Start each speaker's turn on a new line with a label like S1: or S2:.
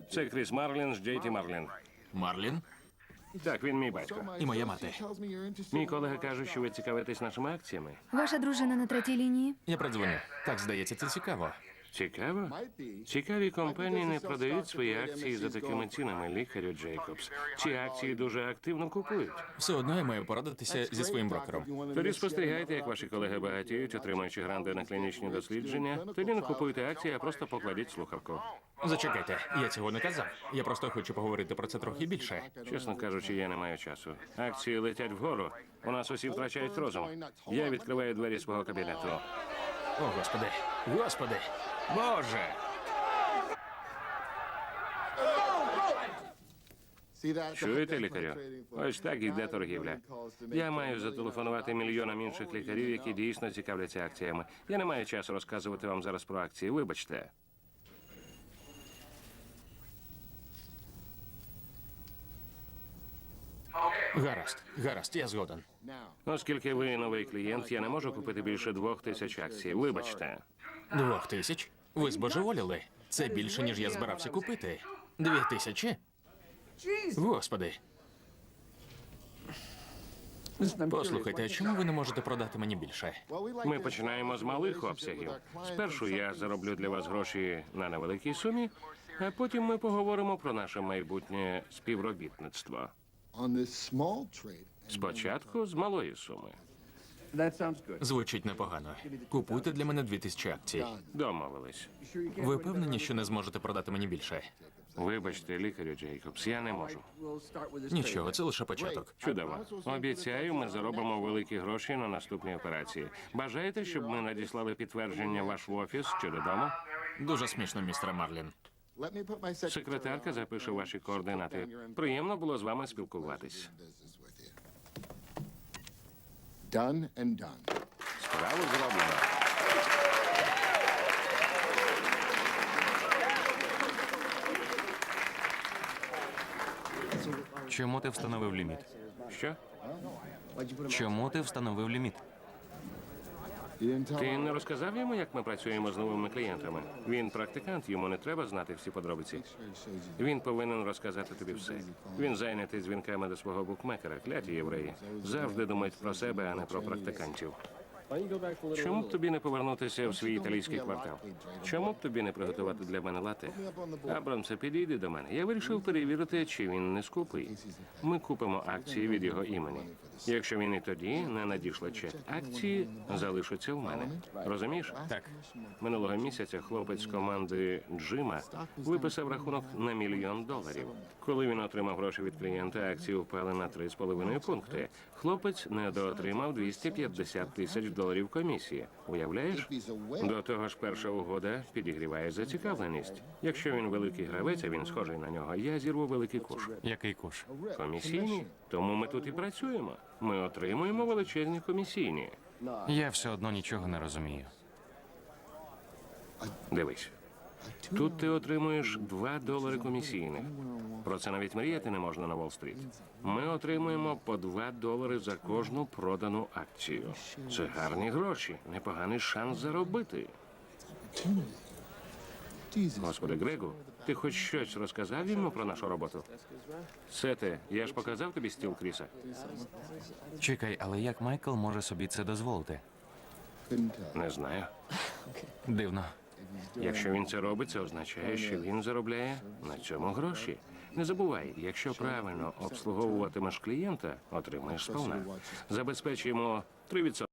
S1: Це Кріс Марлін з Джейті Марлін.
S2: Марлін?
S1: Так, він мій батько.
S2: І моя мати.
S1: Мій колега каже, що ви цікавитесь нашими акціями.
S3: Ваша дружина на третій лінії?
S2: Я продзвоню. Так, здається, це цікаво.
S1: Цікаво? Цікаві компанії не продають свої акції за такими цінами, лікарю Джейкобс. Ці акції дуже активно купують.
S2: Все одно я маю порадитися зі своїм брокером.
S1: Тоді спостерігайте, як ваші колеги багатіють, отримуючи гранди на клінічні дослідження. Тоді не купуйте акції, а просто покладіть слухавку.
S2: Зачекайте, я цього не казав. Я просто хочу поговорити про це трохи більше.
S1: Чесно кажучи, я не маю часу. Акції летять вгору. У нас усі втрачають розум. Я відкриваю двері свого кабінету.
S2: О, Господи! Господи! Боже!
S1: Чуєте, лікарю? Ось так іде торгівля. Я маю зателефонувати мільйонам інших лікарів, які дійсно цікавляться акціями. Я не маю часу розказувати вам зараз про акції. Вибачте.
S2: Гаразд, я згоден.
S1: Оскільки ви новий клієнт, я не можу купити більше 2000 акцій. Вибачте.
S2: 2000? Ви збожеволіли? Це більше, ніж я збирався купити. 2000? Господи. Послухайте, а чому ви не можете продати мені більше?
S1: Ми починаємо з малих обсягів. Спершу я зароблю для вас гроші на невеликій сумі, а потім ми поговоримо про наше майбутнє співробітництво. Спочатку з малої суми.
S2: Звучить непогано. Купуйте для мене 2000 акцій.
S1: Домовились.
S2: Ви впевнені, що не зможете продати мені більше?
S1: Вибачте, лікарю Джейкобс, я не можу.
S2: Нічого, це лише початок.
S1: Чудово. Обіцяю, ми заробимо великі гроші на наступній операції. Бажаєте, щоб ми надіслали підтвердження в ваш офіс чи додому?
S2: Дуже смішно, містер Марлін.
S1: Секретарка запише ваші координати. Приємно було з вами спілкуватись. Справу зроблено.
S4: Чому ти встановив ліміт?
S1: Що?
S4: Чому ти встановив ліміт?
S1: Ти не розказав йому, як ми працюємо з новими клієнтами? Він практикант, йому не треба знати всі подробиці. Він повинен розказати тобі все. Він зайнятий дзвінками до свого букмекера, кляті євреї. Завжди думають про себе, а не про практикантів. Чому б тобі не повернутися в свій італійський квартал? Чому б тобі не приготувати для мене лате? Абрамсе, підійди до мене. Я вирішив перевірити, чи він не скупий. Ми купимо акції від його імені. Якщо він і тоді не надійшле чек, акції залишаться в мене. Розумієш?
S2: Так.
S1: Минулого місяця хлопець з команди Джима виписав рахунок на $1 мільйон. Коли він отримав гроші від клієнта, акції впали на 3,5 пункти. Хлопець недоотримав $250 тисяч комісії. Уявляєш? До того ж, перша угода підігріває зацікавленість. Якщо він великий гравець, а він схожий на нього, я зірву великий куш.
S4: Який куш?
S1: Комісійні? Тому ми тут і працюємо. Ми отримуємо величезні комісійні.
S4: Я все одно нічого не розумію.
S1: Дивись. Тут ти отримуєш $2 комісійних. Про це навіть мріяти не можна на Уолл-стріт. Ми отримуємо по $2 за кожну продану акцію. Це гарні гроші, непоганий шанс заробити. Господи, Грегу, ти хоч щось розказав йому про нашу роботу? Сете, я ж показав тобі стіл Кріса?
S4: Чекай, але як Майкл може собі це дозволити?
S1: Не знаю.
S4: Дивно.
S1: Якщо він це робить, це означає, що він заробляє на цьому гроші. Не забувай, якщо правильно обслуговуватимеш клієнта, отримаєш сповна. Забезпечуємо 3%.